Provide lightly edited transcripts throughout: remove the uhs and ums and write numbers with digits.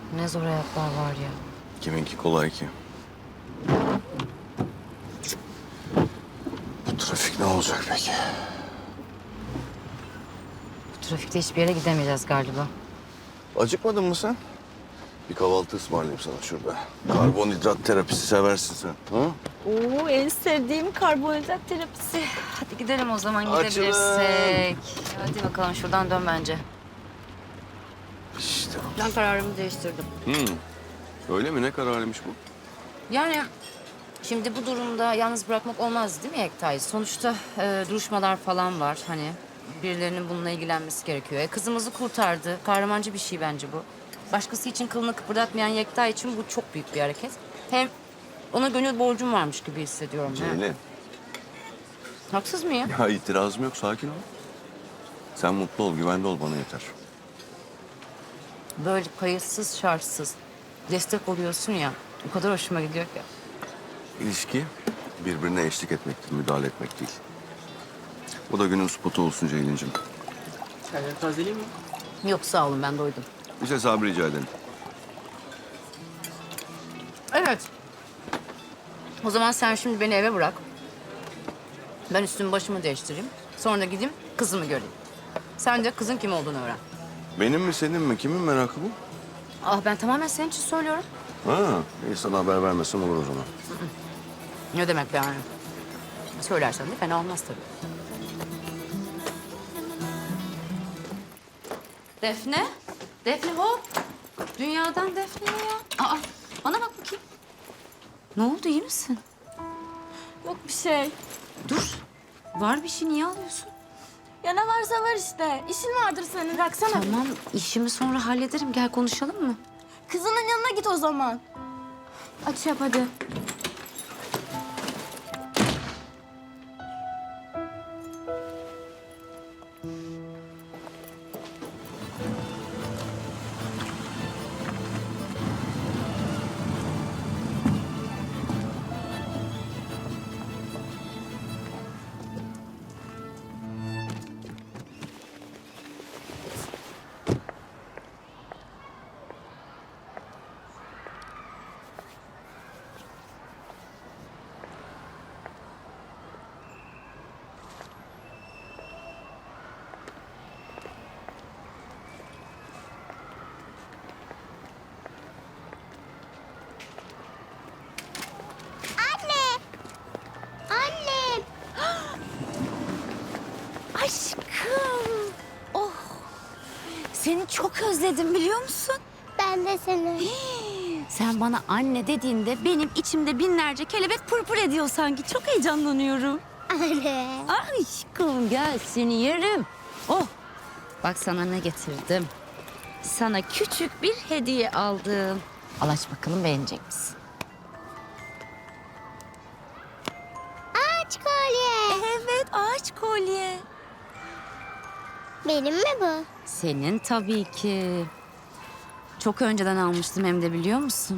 Ne zor hayatlar var ya. Kiminki kolay ki? Bu trafik ne olacak peki? Bu trafikte hiçbir yere gidemeyeceğiz galiba. Acıkmadın mı sen? Bir kahvaltı ısmarlayayım sana şurada. Karbonhidrat terapisi seversin sen. Ha? Oo, en sevdiğim karbonhidrat terapisi. Hadi gidelim o zaman Açılın. gidebilirsek. Hadi bakalım şuradan dön bence. İşte bu. Ben kararımı değiştirdim. Öyle mi? Ne kararıymış bu? Yani şimdi bu durumda yalnız bırakmak olmaz değil mi Yekta'yı? Sonuçta duruşmalar falan var hani. Birilerinin bununla ilgilenmesi gerekiyor. Kızımızı kurtardı. Kahramanca bir şey bence bu. Başkası için kılını kıpırdatmayan Yekta için bu çok büyük bir hareket. Hem ona gönül borcum varmış gibi hissediyorum. ha. Ceylin. Haksız mıyım? Ya itirazım yok. Sakin ol. Sen mutlu ol, güvende ol. Bana yeter. Böyle kayıtsız şartsız destek oluyorsun ya. O kadar hoşuma gidiyor ki. İlişki birbirine eşlik etmektir, müdahale etmek değil. Bu da günün spotu olsun Ceylin'cim. Çayları tazeleyeyim mi? Yok sağ olun ben doydum. Bir hesabı rica ederim. Evet. O zaman sen şimdi beni eve bırak. Ben üstümü başımı değiştireyim. Sonra da gideyim kızımı göreyim. Sen de kızın kim olduğunu öğren. Benim mi senin mi? Kimin merakı bu? Ah ben tamamen senin için söylüyorum. Ha, iyi sana haber vermesem olur o zaman. Ne demek yani? Söylersen de fena olmaz tabii. Defne? Defne hop. Dünyadan Defne ya. Aa, bana bak bakayım. Ne oldu iyi misin? Yok bir şey. Dur. Var bir şey niye alıyorsun? Ya ne varsa var işte. İşin vardır senin. Bıraksana. Tamam işimi sonra hallederim. Gel konuşalım mı? Kızının yanına git o zaman. Aç yap hadi. Annem. Aşkım. Oh. Seni çok özledim biliyor musun? Ben de seni. Sen bana anne dediğinde benim içimde binlerce kelebek pırpır ediyor sanki. Çok heyecanlanıyorum. Anne. Aşkım gel seni yerim. Oh. Bak sana ne getirdim. Sana küçük bir hediye aldım. Al aç bakalım beğenecek misin? Ağaç kolye. Evet ağaç kolye. Benim mi bu? Senin tabii ki. Çok önceden almıştım hem de biliyor musun?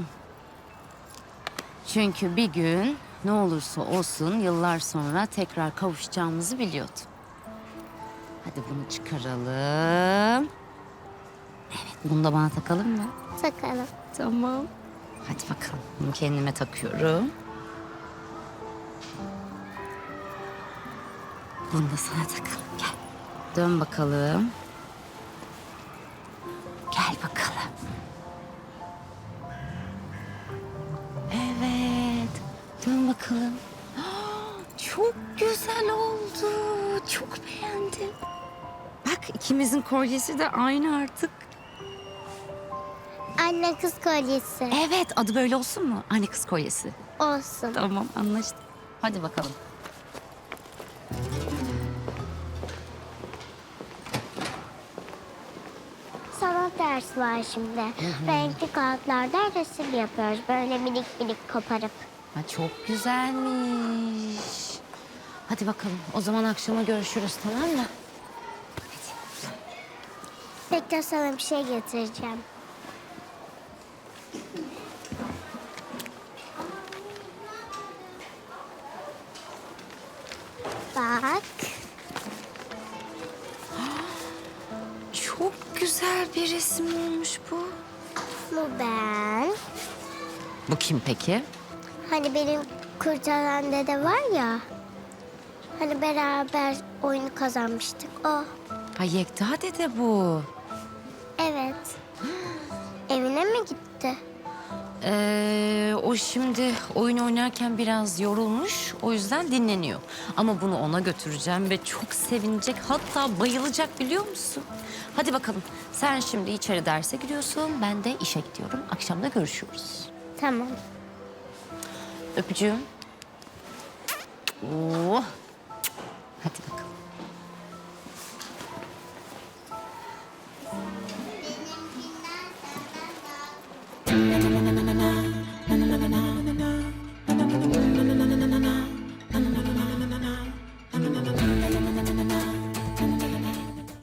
Çünkü bir gün ne olursa olsun yıllar sonra tekrar kavuşacağımızı biliyordum. Hadi bunu çıkaralım. Evet bunu da bana takalım mı? Takalım. Tamam. Hadi bakalım bunu kendime takıyorum. Bunu da sana takalım gel. Dön bakalım. Gel bakalım. Evet. Dön bakalım. Çok güzel oldu. Çok beğendim. Bak ikimizin kolyesi de aynı artık. Anne kız kolyesi. Evet adı böyle olsun mu? Anne kız kolyesi. Olsun. Tamam anlaştık. Hadi bakalım. Sanat dersi var şimdi. Renkli kağıtlardan resim yapıyoruz. Böyle minik minik koparıp. Ha, çok güzelmiş. Hadi bakalım. O zaman akşama görüşürüz tamam mı? Bekle sana bir şey getireceğim. Bak. Çok güzel bir resim olmuş bu. Bu ben. Bu kim peki? Hani benim kurtaran dede var ya. Hani beraber oyunu kazanmıştık o. Ha Yekta dede bu. Evet. Evine mi gitti? O şimdi oyun oynarken biraz yorulmuş. O yüzden dinleniyor. Ama bunu ona götüreceğim ve çok sevinecek. Hatta bayılacak biliyor musun? Hadi bakalım. Sen şimdi içeri derse giriyorsun. Ben de işe gidiyorum. Akşam da görüşüyoruz. Tamam. Öpücüğüm. Oo. Hadi bakalım.